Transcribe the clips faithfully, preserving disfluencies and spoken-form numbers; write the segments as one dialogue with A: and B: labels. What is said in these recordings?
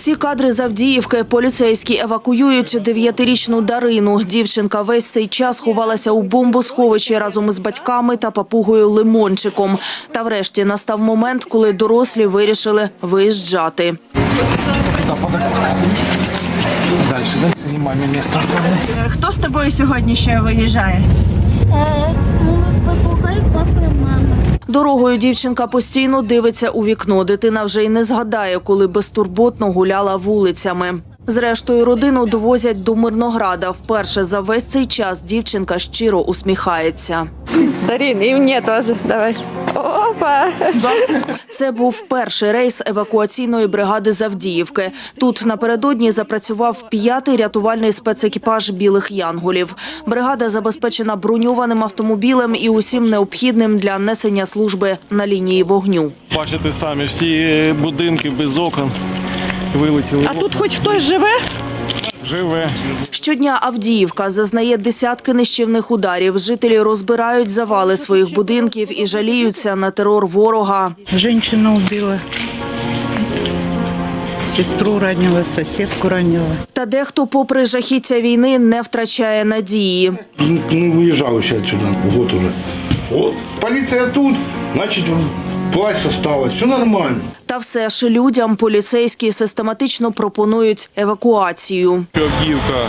A: Усі кадри з Авдіївки. Поліцейські евакуюють дев'ятирічну Дарину. Дівчинка весь цей час ховалася у бомбосховищі разом із батьками та папугою Лимончиком. Та врешті настав момент, коли дорослі вирішили виїжджати.
B: Дальше, да? Знімаємо місце.
C: Хто з тобою сьогодні ще виїжджає?
D: Папугай, папа і мама.
A: Дорогою дівчинка постійно дивиться у вікно. Дитина вже й не згадає, коли безтурботно гуляла вулицями. Зрештою, родину довозять до Мирнограда. Вперше за весь цей час дівчинка щиро усміхається.
C: Дарин, і мені теж. Давай. Опа!
A: Це був перший рейс евакуаційної бригади з Авдіївки. Тут напередодні запрацював п'ятий рятувальний спецекіпаж «Білих янголів». Бригада забезпечена броньованим автомобілем і усім необхідним для несення служби на лінії вогню.
E: Бачите самі, всі будинки без окон вилетіли.
C: А тут хоч хтось живе?
E: Живе.
A: Щодня Авдіївка зазнає десятки нищівних ударів. Жителі розбирають завали своїх будинків і жаліються на терор ворога.
F: Женщину убила, сестру ранила, сусідку ранила.
A: Та дехто, попри жахіття війни, не втрачає надії.
G: Ну, выезжал еще отсюда, вот уже. Вот, полиция тут, значит, власть осталась, все нормально.
A: Та все ж людям поліцейські систематично пропонують евакуацію.
E: Авдіївка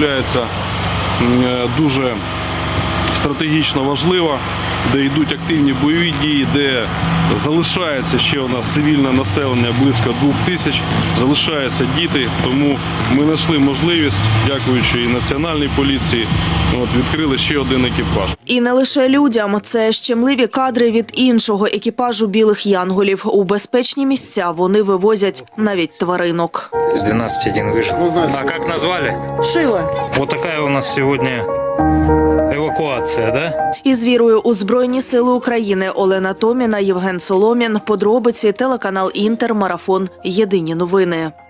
E: є дуже стратегічно важлива, де йдуть активні бойові дії, де залишається ще у нас цивільне населення близько двох тисяч, залишаються діти, тому ми знайшли можливість, дякуючи і Національній поліції, от, відкрили ще один екіпаж.
A: І не лише людям. Це щемливі кадри від іншого екіпажу «Білих янголів». У безпечні місця вони вивозять навіть тваринок.
H: С двенадцати один выжил. А как назвали?
C: Шила.
H: Вот такая у нас сегодня эвакуация, да?
A: Із вірою у Збройні сили України Олена Томіна, Євген Соломін. Подробиці, телеканал «Інтер», марафон «Єдині новини».